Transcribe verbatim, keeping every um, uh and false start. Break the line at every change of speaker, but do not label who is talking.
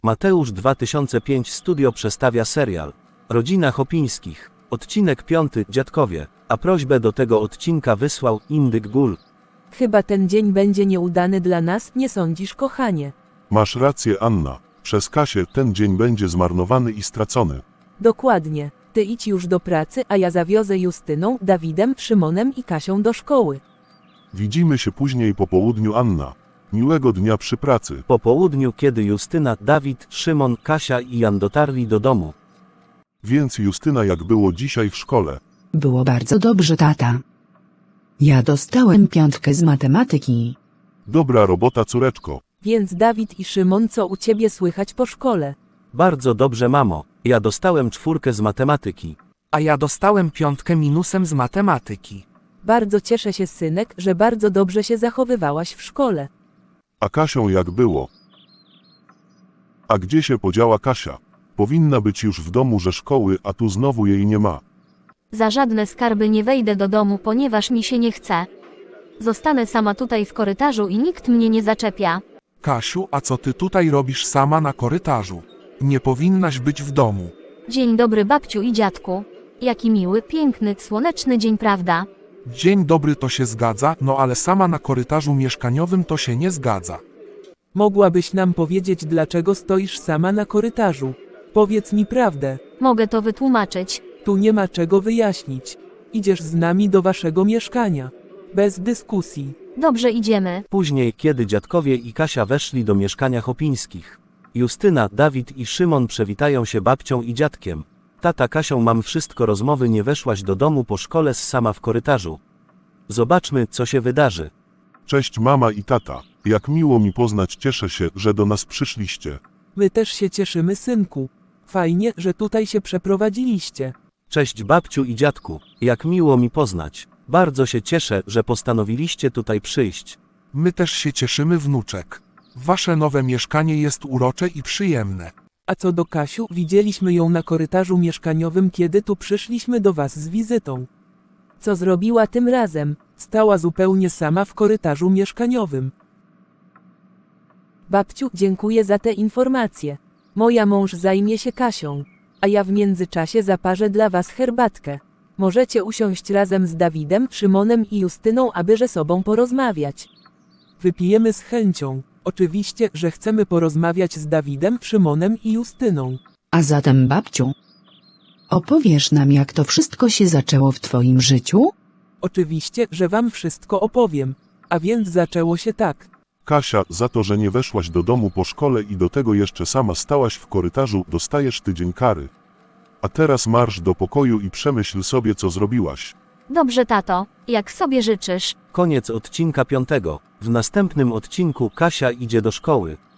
Mateusz dwa tysiące pięć Studio przedstawia serial Rodzina Chopińskich, odcinek piąty, Dziadkowie, a prośbę do tego odcinka wysłał Indyk Gul.
Chyba ten dzień będzie nieudany dla nas, nie sądzisz, kochanie?
Masz rację, Anna. Przez Kasię ten dzień będzie zmarnowany i stracony.
Dokładnie. Ty idź już do pracy, a ja zawiozę Justyną, Dawidem, Szymonem i Kasią do szkoły.
Widzimy się później po południu, Anna. Miłego dnia przy pracy.
Po południu, kiedy Justyna, Dawid, Szymon, Kasia i Jan dotarli do domu.
Więc Justyna, jak było dzisiaj w szkole?
Było bardzo dobrze, tata. Ja dostałem piątkę z matematyki.
Dobra robota, córeczko.
Więc Dawid i Szymon, co u ciebie słychać po szkole?
Bardzo dobrze, mamo. Ja dostałem czwórkę z matematyki.
A ja dostałem piątkę minusem z matematyki.
Bardzo cieszę się, synek, że bardzo dobrze się zachowywałaś w szkole.
A Kasią jak było? A gdzie się podziała Kasia? Powinna być już w domu ze szkoły, a tu znowu jej nie ma.
Za żadne skarby nie wejdę do domu, ponieważ mi się nie chce. Zostanę sama tutaj w korytarzu i nikt mnie nie zaczepia.
Kasiu, a co ty tutaj robisz sama na korytarzu? Nie powinnaś być w domu.
Dzień dobry, babciu i dziadku. Jaki miły, piękny, słoneczny dzień, prawda?
Dzień dobry, to się zgadza, no ale sama na korytarzu mieszkaniowym to się nie zgadza.
Mogłabyś nam powiedzieć, dlaczego stoisz sama na korytarzu? Powiedz mi prawdę.
Mogę to wytłumaczyć.
Tu nie ma czego wyjaśnić. Idziesz z nami do waszego mieszkania. Bez dyskusji.
Dobrze, idziemy.
Później, kiedy dziadkowie i Kasia weszli do mieszkania Chopińskich. Justyna, Dawid i Szymon przewitają się babcią i dziadkiem. Tata, Kasią, mam wszystko, rozmowy, nie weszłaś do domu po szkole, sama w korytarzu. Zobaczmy, co się wydarzy.
Cześć mama i tata. Jak miło mi poznać, cieszę się, że do nas przyszliście.
My też się cieszymy, synku. Fajnie, że tutaj się przeprowadziliście.
Cześć babciu i dziadku, jak miło mi poznać. Bardzo się cieszę, że postanowiliście tutaj przyjść.
My też się cieszymy, wnuczek. Wasze nowe mieszkanie jest urocze i przyjemne.
A co do Kasiu, widzieliśmy ją na korytarzu mieszkaniowym, kiedy tu przyszliśmy do was z wizytą. Co zrobiła tym razem? Stała zupełnie sama w korytarzu mieszkaniowym. Babciu, dziękuję za te informacje. Moja mąż zajmie się Kasią, a ja w międzyczasie zaparzę dla was herbatkę. Możecie usiąść razem z Dawidem, Szymonem i Justyną, aby ze sobą porozmawiać. Wypijemy z chęcią. Oczywiście, że chcemy porozmawiać z Dawidem, Szymonem i Justyną.
A zatem, babciu, opowiesz nam, jak to wszystko się zaczęło w twoim życiu?
Oczywiście, że wam wszystko opowiem. A więc zaczęło się tak.
Kasia, za to, że nie weszłaś do domu po szkole i do tego jeszcze sama stałaś w korytarzu, dostajesz tydzień kary. A teraz marsz do pokoju i przemyśl sobie, co zrobiłaś.
Dobrze, tato, jak sobie życzysz.
Koniec odcinka piątego. W następnym odcinku Kasia idzie do szkoły.